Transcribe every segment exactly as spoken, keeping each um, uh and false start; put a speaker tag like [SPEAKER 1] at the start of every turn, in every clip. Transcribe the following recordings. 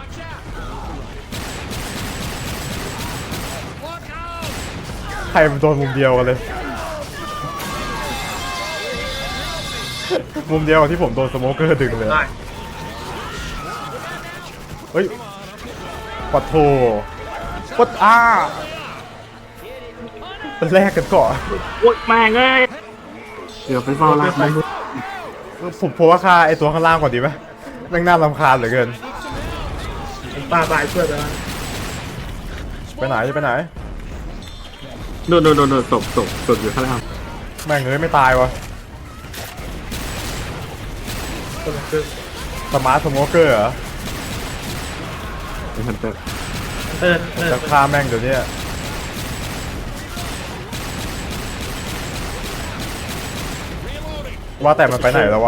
[SPEAKER 1] ใครมันโดนมุมเดียวกันเลยมุมเดียวกับที่ผมโดนสโมเกอร์ดึงเลยเฮ้ยปัดโถปัดอ้าเป็นแรกกันก่อน
[SPEAKER 2] โอ๊ยแม่งเอ้ยเดี๋ยวไปเฝ้าร้านมัน
[SPEAKER 1] ผมผมว่าค่าไอตัวข้างล่างก่อนดีไหมแม่งน่ารำคาญเหลือเกิน
[SPEAKER 3] ป้าบายช่วยไปแล้ว
[SPEAKER 1] ไปไหนจะไปไหน
[SPEAKER 2] โดนโดนโดนโดนตบตบตบอยู่ข้างล่าง
[SPEAKER 1] แม่งเอ้ยไม่ตายวะ
[SPEAKER 3] คนละครึ่ง
[SPEAKER 1] สมาร์ทสโมเกอร์เหรอ
[SPEAKER 2] เป็นฮันเตอร์
[SPEAKER 3] เออเออ
[SPEAKER 1] จะฆ่าแม่งเดี๋ยวนี้ว่าแต่มันไปไหนแล้ววะ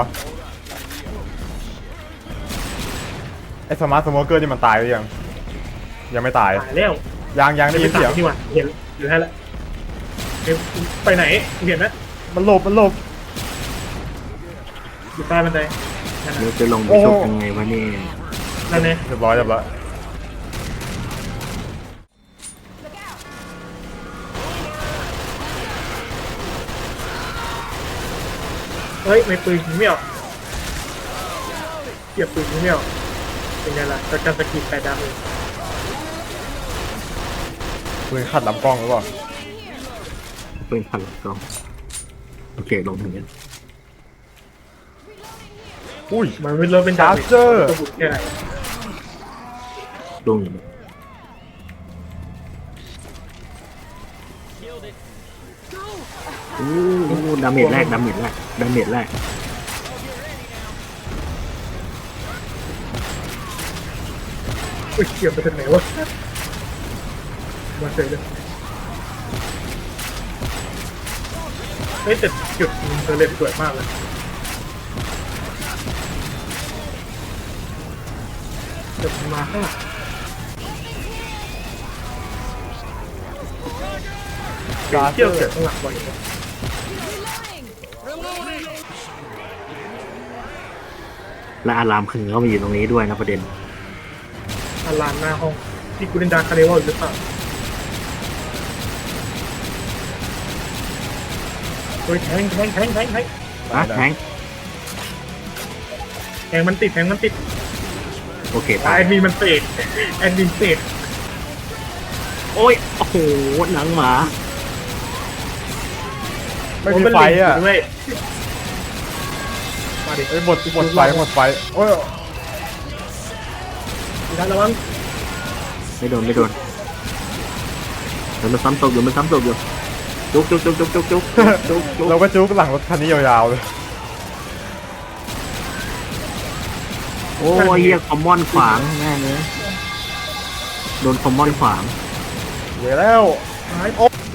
[SPEAKER 1] ไอสมาร์ทสโมเกอร์นี่มันตายหรือยังยังไม่ตาย
[SPEAKER 3] ตายแล้ว
[SPEAKER 1] ยังยังได้ยินเสียง
[SPEAKER 3] นี่หว่าเห็นอยู่ให้แล้วไปไหนเห็นไหม
[SPEAKER 1] มันหลบมันหลบ
[SPEAKER 3] อยู่ใต้บันไดนั่น
[SPEAKER 2] เดี๋ยว
[SPEAKER 3] น่ะ
[SPEAKER 2] จะลงไปชกยังไงวะนี่
[SPEAKER 3] นั่นเนี่ย
[SPEAKER 1] เรียบร้อยเรียบร้อย
[SPEAKER 3] เฮ้ยไม่ปืนยิงไม่ออกเก็บปืนยิงไม่ออกเป็นไงล่ะจะการสกิดแปดดาวเอง
[SPEAKER 1] ปืนขัดลำกล้องหรือเปล่า
[SPEAKER 2] เป็นพันกล้องโอเคลงถึงนี้
[SPEAKER 1] อุ้ย
[SPEAKER 3] มันไม่เริ่มเป็นดาว
[SPEAKER 1] Charger
[SPEAKER 3] ก็บุกแค่ไหน
[SPEAKER 2] ลงอยู่โอ้โหดาเมจแรกดาเมจแรกดาเมจแรก
[SPEAKER 3] อุ้ยเกี่ยวไปทางไหนวะมาเจอเลยเฮ้ยแต่จุดเธอเล่นสวยมากเลยเดี๋ยวมันมาข้างหลัง
[SPEAKER 1] การ
[SPEAKER 3] เที่ยวเกิดข้างหลังบ่อยเลย
[SPEAKER 2] และอารามคือเขามาอยู่ตรงนี้ด้วยนะประเด็น
[SPEAKER 3] อาลานหน้าห้องที่กูเล่นดาร์คคาเนวอลหรือเปล่าเฮ้ยแทงแทงแทงแทงแทง
[SPEAKER 2] นะแทง
[SPEAKER 3] แทงมันติดแทงมันติด
[SPEAKER 2] โอเค
[SPEAKER 3] แอ
[SPEAKER 2] ตาย
[SPEAKER 3] ดมินมันเตะแอดมินเตะ
[SPEAKER 2] โอ้ยโอ้โหหนังหมา
[SPEAKER 1] ไม่มีไฟอ่ะ
[SPEAKER 3] ด้วยมาดิ
[SPEAKER 1] เอ้ยหมดหมดไฟหมดไฟโอ้ย
[SPEAKER 3] ดีนะระวัง
[SPEAKER 2] ไม่โดนไม่โดนเดี๋ยวมันซ้ำตกอยู่มันซ้ำตกอยู่จุกจุกจุกจุกจุกจุกจุกจุก
[SPEAKER 1] เราก็จุกหลังรถคันนี้ยาวๆเลย
[SPEAKER 2] โอ้ยเฮียคอมมอนขวางแม่เลยโดนคอมมอนขวาง
[SPEAKER 1] เดี๋ยวแล้ว
[SPEAKER 3] หาย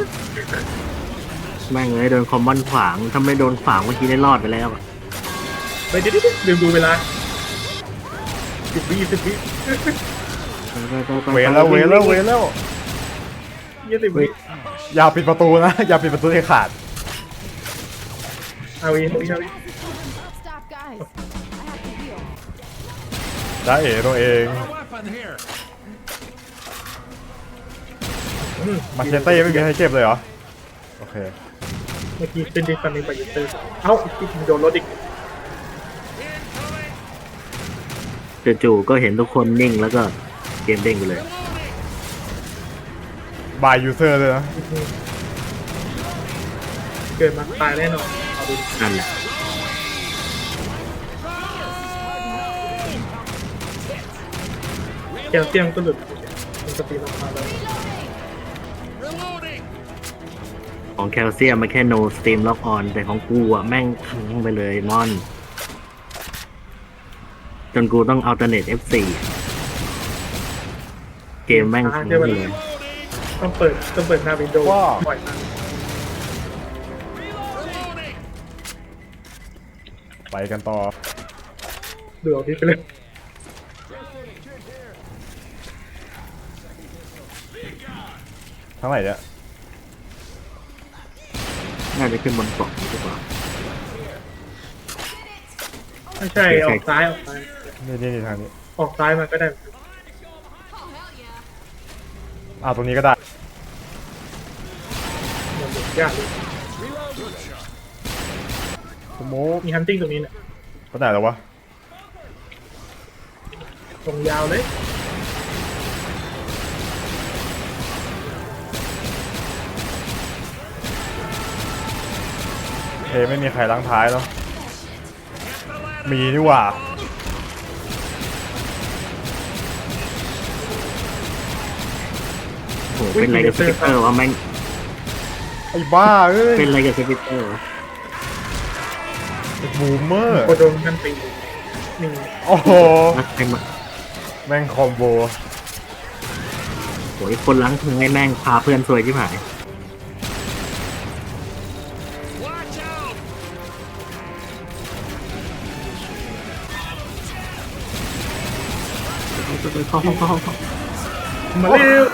[SPEAKER 2] แม่งเลยโดนคอมมอนขวางถ้าไม่โดนขวางเมื่อกี้ได้รอดไปแล้วอะ
[SPEAKER 3] ไปเดี๋ยวเดี๋ยวลืมดูเวลาสิบวิสิบวิ
[SPEAKER 2] ไปไปไปไป
[SPEAKER 1] เวรแล้วเวรแล้วเวรแล้ว
[SPEAKER 3] ยี่สิบวิ
[SPEAKER 1] อย่าปิดประตูนะ อย่าปิดประตูให้ขาด
[SPEAKER 3] เอาอีกเอาอีกเอาอีก
[SPEAKER 4] Stop, guys. I have to heal.
[SPEAKER 1] จ้าเอ๋ตัวเองมาเชเต้ไม่มีใครเจ็บเลยเหรอโอเค
[SPEAKER 3] เมื่อกี้เป็นดิฟันในไปยูเตอร์เอ้าอีกโดนรถอีก
[SPEAKER 2] จู่ๆก็เห็นทุกคนนิ่งแล้วก็เกมเด้งไปเลย
[SPEAKER 1] บายยูเซอร์เลยนะ
[SPEAKER 3] เกิดมาตายแน่นอนเอาดู
[SPEAKER 2] นั่นแหละ
[SPEAKER 3] แกวเตียงก็หลุดมันสตีลงมาแล้ว
[SPEAKER 2] ของแคลเซียมมันแค่ no steam lock on แต่ของกูอ่ะแม่งขังไปเลยมอน จนกูต้อง alternate เอฟ โฟร์ เกมแม่งขังไปเลย
[SPEAKER 3] ต้องเปิดต้องเปิดหน้าวินโดว์ปล่อยมา
[SPEAKER 1] ไปกันต่อ
[SPEAKER 3] ดูเอาที่ไปเลย
[SPEAKER 1] ทั้งไหนเนี่ย
[SPEAKER 2] น่าจะขึ้นบนเกาะดีกว่า
[SPEAKER 3] ไม่ใช่ออกซ้ายออกซ้าย
[SPEAKER 1] นี่นี่นี่ทางนี้
[SPEAKER 3] ออกซ้ายมาก็ได้
[SPEAKER 1] อ้าวตรงนี้ก็ได้
[SPEAKER 3] มันหมุนยากเลย
[SPEAKER 1] สโมก
[SPEAKER 3] มีฮันติ้งตรงนี้เนี่ย
[SPEAKER 1] ไปไหนแล้ววะ
[SPEAKER 3] ตรงยาวเลย
[SPEAKER 1] เทไม่มีใครล้างท้ายเนาะมีนี่หว่า
[SPEAKER 2] โอ้โหเป็นอะไรกับสปิเตอร์วะแม่ง
[SPEAKER 1] ไอ้บ้าเอ้ย
[SPEAKER 2] เป็นอะไรกับสปิเตอร์วะ
[SPEAKER 1] บูมเมอร์
[SPEAKER 3] โคโดนกันตีนี่
[SPEAKER 1] โอ้โห
[SPEAKER 2] นักเต็มอะ
[SPEAKER 1] แม่งคอมโบ
[SPEAKER 2] โอ้ยคนล้างท้ายแม่งพาเพื่อนซวยที่หายเข้าห้องเข้าห้องเข้า
[SPEAKER 3] มาเร็ว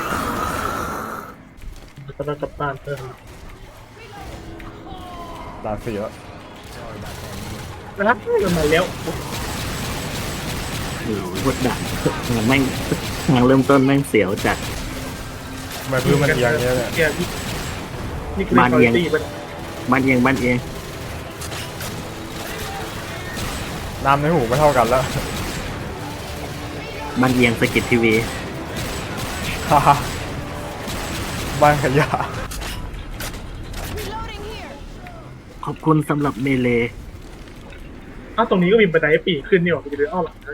[SPEAKER 3] กำลังกลับบ้านเพิ่ม
[SPEAKER 1] ตาเสียแล้ว
[SPEAKER 3] นะครับมันมาแล้ว
[SPEAKER 2] โอ้โหกดดันงานแม่งงานเริ่มต้นแม่งเสียวจัด
[SPEAKER 1] ทำไมพื้นมันเอียงเงี้ยเนี่ย
[SPEAKER 3] เอียงนี่คือ
[SPEAKER 2] บ้านเอียง
[SPEAKER 3] ตีมัน
[SPEAKER 2] บ้านเองบ้านเอง
[SPEAKER 1] น้ำในหูไม่เท่ากันแล้ว
[SPEAKER 2] บ้านเอียงสกิททีวี
[SPEAKER 1] ฮ่าฮ่าบ้านขยะ
[SPEAKER 4] Reloading here.
[SPEAKER 2] ขอบคุณสำหรับเมเล
[SPEAKER 3] อ้าวตรงนี้ก็มีบันไดปีกขึ้นนี่หว่ากูจะเดินอ้อมหลังให้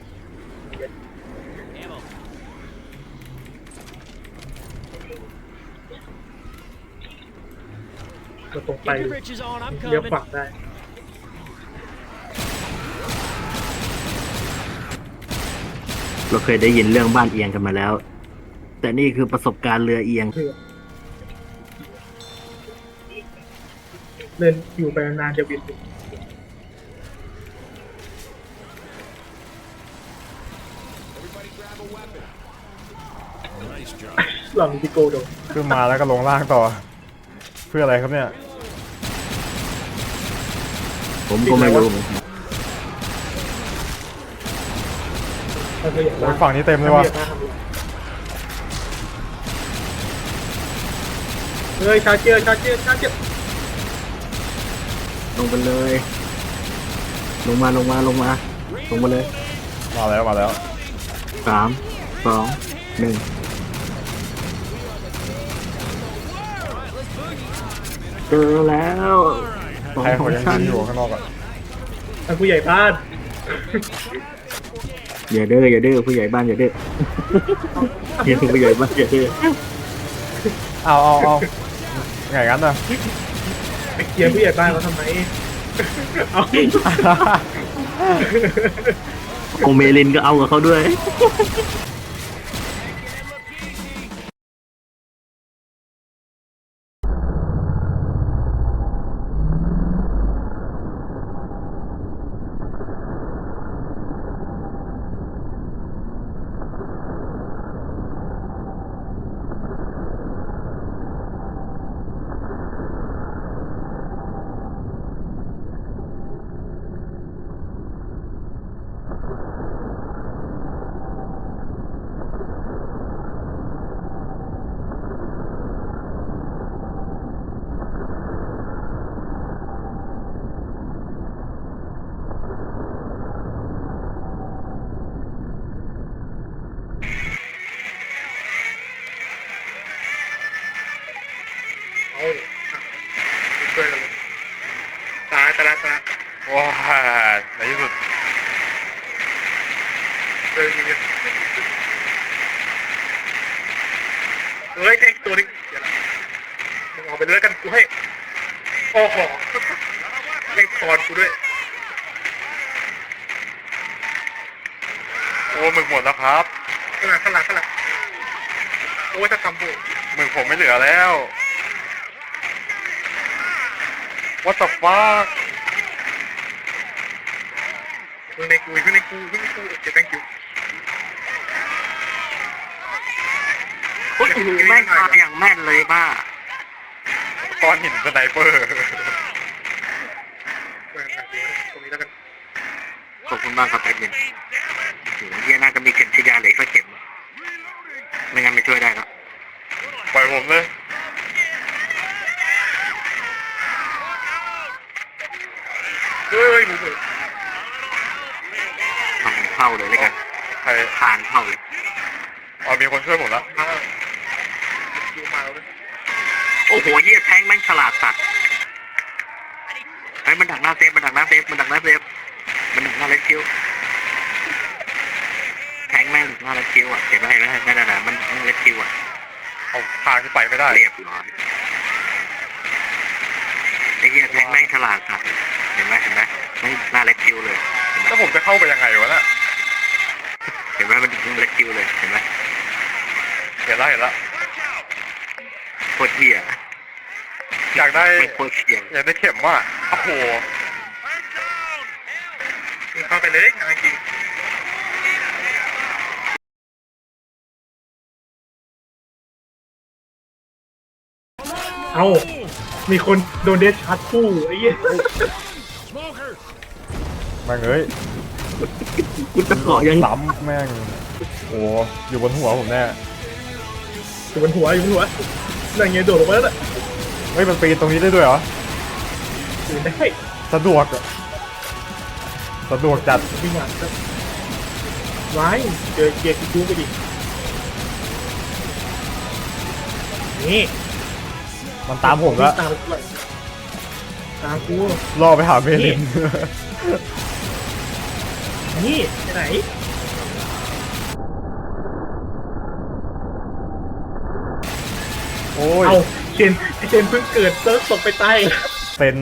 [SPEAKER 3] เราตรงไป
[SPEAKER 5] Get your britches on, I'm
[SPEAKER 3] เลี้ยว
[SPEAKER 5] coming.
[SPEAKER 3] ขวาได้
[SPEAKER 2] เราเคยได้ยินเรื่องบ้านเอียงกันมาแล้ว แต่นี่คือประสบการณ์เรือเอียง
[SPEAKER 3] เพื่อเดินอยู่ไปนานจะบินถึง หลังดิโกโดน
[SPEAKER 1] ขึ้นมาแล้วก็ลงล่างต่อ เพื่ออะไรครับเนี่ย
[SPEAKER 2] ผมก็ไม่รู้เหมือนกัน
[SPEAKER 3] ถ้าเธออยาก
[SPEAKER 1] โอ้ยฝั่งนี้เต็มเลยว่ะ
[SPEAKER 3] เฮ้ยชาร์เจอร์ชาร์เจอร์ชาร์เจอร์
[SPEAKER 2] ลงไปเลย ลงมาลงมาลงมาลงมาเลย
[SPEAKER 1] มาแล้วมาแล้ว
[SPEAKER 2] สามสองหนึ่งเจอแล้วสอง
[SPEAKER 1] ใคร
[SPEAKER 2] ข
[SPEAKER 1] ค
[SPEAKER 2] อน ง
[SPEAKER 1] ยัง
[SPEAKER 2] ฉัน
[SPEAKER 1] ยืนอยู่ข้างนอกอ่ะ
[SPEAKER 3] ท่านผู้ใหญ่บ้าน
[SPEAKER 2] อย่าดื้ออย่าดื้อผู้ใหญ่บ้านอย่าดื้ออย่าดื้อผู้ใหญ่บ้านอย่าดื้อ
[SPEAKER 1] เอาเอาเอาไงงั้นน่ะ
[SPEAKER 3] ไปเคลียร์ผู้ใหญ่บ้านเขาทำไมเอา
[SPEAKER 2] โอเมลินก็เอากับเขาด้วย
[SPEAKER 3] เอาช่วยกันเลยตายตายตาย
[SPEAKER 1] ว้าในที่สุด
[SPEAKER 3] เดินยิงเฮ้ยแทงตัวนึงเดี๋ยวละมึงออกไปเลยแล้วกันกูให้โอ้โหเล่นคอนกูด้วย
[SPEAKER 1] โอ้หมึกหมดแล้วครับ
[SPEAKER 3] ข้างหลังข้างหลังข้างหลังโอ้ยถ้าทำบุญ
[SPEAKER 1] หมึกผมไม่เหลือแล้ว What the fuck
[SPEAKER 3] เพิ่งในกูเพิ่งในกูเพิ่งในกูโอเค thank you
[SPEAKER 2] โอ้โหแม่งมาอย่างแม่นเลยป้า
[SPEAKER 1] ก้อนหินสไนเปอร์
[SPEAKER 3] เออตรงนี้แล้วกัน
[SPEAKER 2] ขอบคุณมากครับแอดมินโอ้โหเฮียน่าจะมีเข็มฉีดยาเหล็กสักเข็มไม่งั้นไม่ช่วยได้แล้ว
[SPEAKER 3] เผมเลยเฮ้ยมึง
[SPEAKER 2] ทางเข้าเลยแล้วกัน
[SPEAKER 3] ใคร
[SPEAKER 2] ทางเข้าเลย
[SPEAKER 3] อ๋อมีคนช่วยผมแล้วดูมาแล้ว
[SPEAKER 2] โอ้โหเหี้ยแทงแม่งฉลาดสัตว์ไอ้มันดักหน้าเซฟมันดักหน้าเซฟมันดักหน้าเซฟมันดักหน้าเลสคิวแทงแม่งดักหน้าเลสคิวอ่ะเห็นไหมเห็นไหมนั่นน่ะมันดักหน้าเลสคิวอ่ะ
[SPEAKER 3] เอาทางที่ไปไม่ได้
[SPEAKER 2] เรียบร้อยไอ้เหี้ยแทงแม่งฉลาดสัตว์เห็นไหมเห็นไหมไม่หน้าเลสคิวเลยเห็นไหม
[SPEAKER 3] แล้วผมจะเข้าไปยังไงวะน่ะ
[SPEAKER 2] เห็นไหมมันดักหน้าเลสคิวเลยเห็นไหม
[SPEAKER 3] เห็นแล้วเห็นแล้ว
[SPEAKER 2] โคตรเหี้ย
[SPEAKER 3] อยากได้
[SPEAKER 2] ไม่โคตรเชี่ย
[SPEAKER 3] อยากได้เข็มว่ะโอ้โหเข้าไปเลยจริงเอามีคนโดนเดชชาร์จคู่ไอ้เหี้ย
[SPEAKER 1] แม่งเอ้ย
[SPEAKER 2] กูจะเกาะยัง
[SPEAKER 1] ล้ำแม่งโอ้อยู่บนหัวผมแน่
[SPEAKER 3] อยู่บนหัวอยู่บนหัวนั่นไงโดดลงมาแล้วน่ะ
[SPEAKER 1] เฮ้ยมันปีนตรงนี้ได้ด้วยเหรอ
[SPEAKER 3] อยู่ได้
[SPEAKER 1] สะดวกอะสะดวกจัด
[SPEAKER 3] วิ่งหลังไว้เจอเกียร์คิวไปดินี่
[SPEAKER 1] มันตามผมแล้ว
[SPEAKER 3] ตามกูตามกู
[SPEAKER 1] ล่อไปหาเมลิน
[SPEAKER 3] นี่ไปไหน
[SPEAKER 1] โอ้ย
[SPEAKER 3] เอาเชนเชนเพิ่งเกิดเซิร์ฟตกไปใต้
[SPEAKER 1] เซน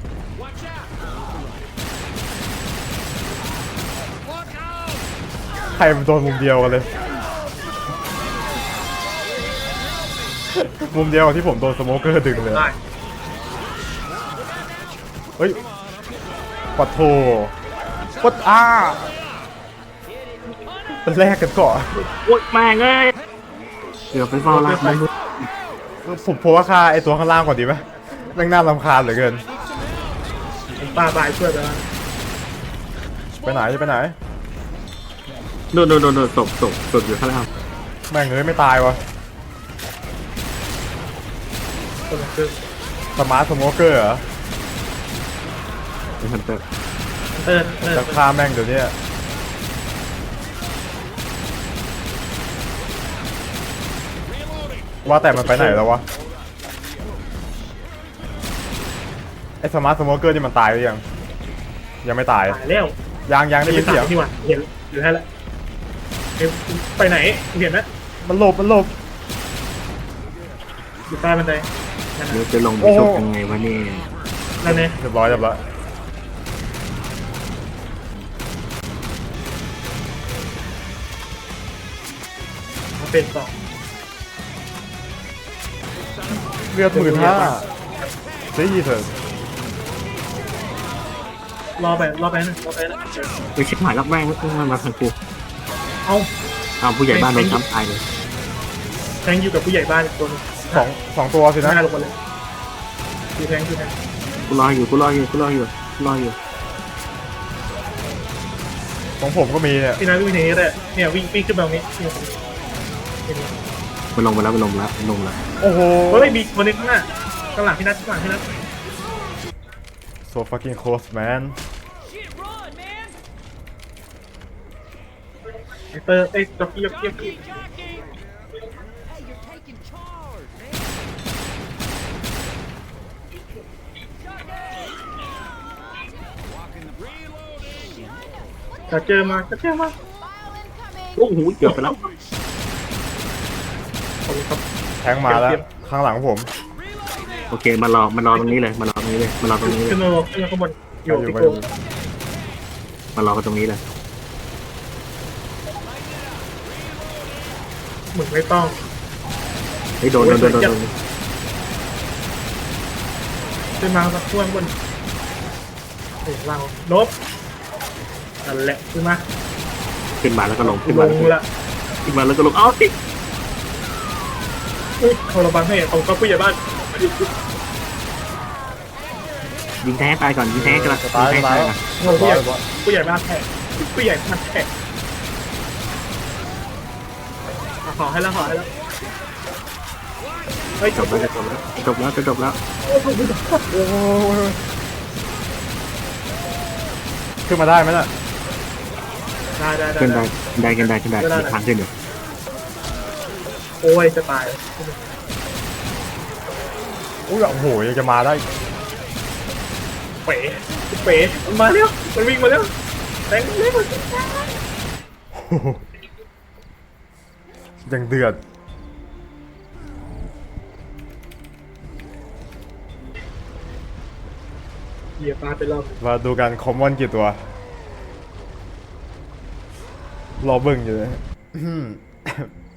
[SPEAKER 1] ใครมันโดนมุมเดียวกันเลย มุมเดียวกับที่ผมโดนสโมเกอร์ดึงเลย
[SPEAKER 3] ได้
[SPEAKER 1] เฮ้ยปัดโถปัดอ้าเป็นแรกกันก่อน
[SPEAKER 2] โอ๊ยแม่งเอ้ยเกือบไปเฝ้าลากมัน
[SPEAKER 1] ผมผมว่าค่าไอตัวข้างล่างก่อนดีไหมแม่งน่ารำคาญเหลือเกิน
[SPEAKER 3] ป้าบายช่วยไปแล้ว
[SPEAKER 1] ไปไหนจะไปไหน
[SPEAKER 2] โดนโดนโดนโดนตกตกตกอยู่ข้างล่าง
[SPEAKER 1] แม่งเอ้ยไม่ตายวะ
[SPEAKER 3] คนละครึ่ง
[SPEAKER 1] สมาร์ทสโมเกอร์เหรอ
[SPEAKER 2] ไอ้ฮันเตอร์
[SPEAKER 3] เติร์นเติร์
[SPEAKER 1] จะ
[SPEAKER 3] น
[SPEAKER 1] ฆ่าแม่งเดี๋ยวนี้ว่าแต่มันไปไหนแล้ววะไอสมาร์ทสโมเกอร์นี่มันตายหรือยังยังไม่ตาย
[SPEAKER 3] ตายแล้ว
[SPEAKER 1] ยังยังได้ยินเสียง
[SPEAKER 3] นี่หว่าเห็นอยู่ให้แล้วไปไหนเห็นไหม
[SPEAKER 1] มันหลบมันหลบ
[SPEAKER 3] อยู่ใต้บันไดนั่น
[SPEAKER 2] เดี๋ยว
[SPEAKER 3] นะ
[SPEAKER 2] จะลงไปชกยังไงวะนี่
[SPEAKER 3] นั่นไง
[SPEAKER 1] เรียบร้อยเรียบร้อย
[SPEAKER 3] มาเป็นสอง
[SPEAKER 1] เลือดหมื่นห้าซีเถอะ
[SPEAKER 3] รอไปรอไปนะรอไปนะ
[SPEAKER 2] ไปเช็คหมายรับแม่งมันมาทางกู
[SPEAKER 3] เอา
[SPEAKER 2] เอาผู้ใหญ่บ้านโดนซ้ำตายเลย
[SPEAKER 3] แทงอยู่กับผู้ใหญ่บ้านอีกตัวนึง
[SPEAKER 1] สองสองตัวสิ
[SPEAKER 3] ห
[SPEAKER 1] นะ
[SPEAKER 3] น้าลงมาเลยดูแทงดูแทง
[SPEAKER 2] กูรออยู่กูรออยู่กูรออยู่กูรออยู่
[SPEAKER 1] ของผมก็มีเนี่ย
[SPEAKER 3] พี่นัทวิ่งหนีได้เนี่ยวิ่งวิ่งขึ้นมาตรงนี้เนี่ย
[SPEAKER 2] มันลงมาแล้วมันลงมาแล้วมันลงมาแล้ว
[SPEAKER 1] โอ้โห
[SPEAKER 3] เฮ้ยมีคนนึงข้างหน้าข้างหลังพี่นัทข้างหลังพี่นัท
[SPEAKER 1] so fucking close man
[SPEAKER 3] ไอ้เตอร์ไอ้จ็อกกี้จ็อกกี้จ็อกกี้จะเจอมาจะเจอมา
[SPEAKER 2] โอ้โหเกือบไปแล้ว
[SPEAKER 3] ขอบคุณครับ
[SPEAKER 1] แทงมาแล้วข้างหลังผม
[SPEAKER 2] โอเคมารอมารอตรงนี้เลยมารอตรงนี้เลยมารอตรงนี้เลย
[SPEAKER 3] ขึ้นมาขึ้นมาข้างบนอยู่
[SPEAKER 1] อยู่
[SPEAKER 3] ที่
[SPEAKER 1] ไป
[SPEAKER 3] โก
[SPEAKER 1] อยู่
[SPEAKER 2] มารอกันตรงนี้เลย
[SPEAKER 3] เหมือนไม่ต้อง
[SPEAKER 2] ไอ้โดนโดนโดนโดนโดน
[SPEAKER 3] ขึ้นมาสักช่วงบนโอ้เราลบนั่นแหละขึ้นมา
[SPEAKER 2] ขึ้นมาแล้วก็ลงขึ้น
[SPEAKER 3] ล
[SPEAKER 2] มาง แล้วก็
[SPEAKER 3] ละ
[SPEAKER 2] ขึ้นมาแล้วก็ลงเอ้าติ
[SPEAKER 3] อุ้ยโทรบังให้ของก็ผู้ใหญ่บ้าน
[SPEAKER 2] ยิงแท้ตายก่อนยิงแท้กันละ
[SPEAKER 1] จะ
[SPEAKER 2] ยิ
[SPEAKER 1] ตาย
[SPEAKER 2] งแท้
[SPEAKER 1] จะตา
[SPEAKER 2] ตาย ย
[SPEAKER 1] แล้ว
[SPEAKER 2] ก่อน
[SPEAKER 3] ผู้ใหญ่
[SPEAKER 1] ร้อย
[SPEAKER 3] ผู้ใหญ่บ้านแทะผู้ใหญ่บ้านแทะขอให้แล้วขอให้แล้วเฮ้ย
[SPEAKER 2] จบแล้วจะจบแล้วจบแล้วจะจบแล้ว
[SPEAKER 1] โอ้ยขึ้นมาได้ไหมน่ะ
[SPEAKER 3] ได้ได้ได้
[SPEAKER 2] ขึ้นได้ได้ขึ้นได้ขึ้นได้มีทางขึ้นอยู่
[SPEAKER 3] โอ้ยจะตาย
[SPEAKER 1] อุ้ยโอ้โหยังจะมาได้
[SPEAKER 3] เป๋เป๋มันมาแล้วมันวิ่งมาแล้วแตงเล็กมัน
[SPEAKER 1] โอ้โหยังเดือด
[SPEAKER 3] เหยียบปลาไปรอบ
[SPEAKER 1] มาดูกันคอมมอนกี่ตัว รอเบิ่งอยู่เลยอืม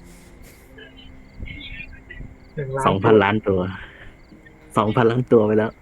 [SPEAKER 3] หนึ่งล้าน
[SPEAKER 2] สองพันล้านตัวสองพันล้านตัวไปแล้ว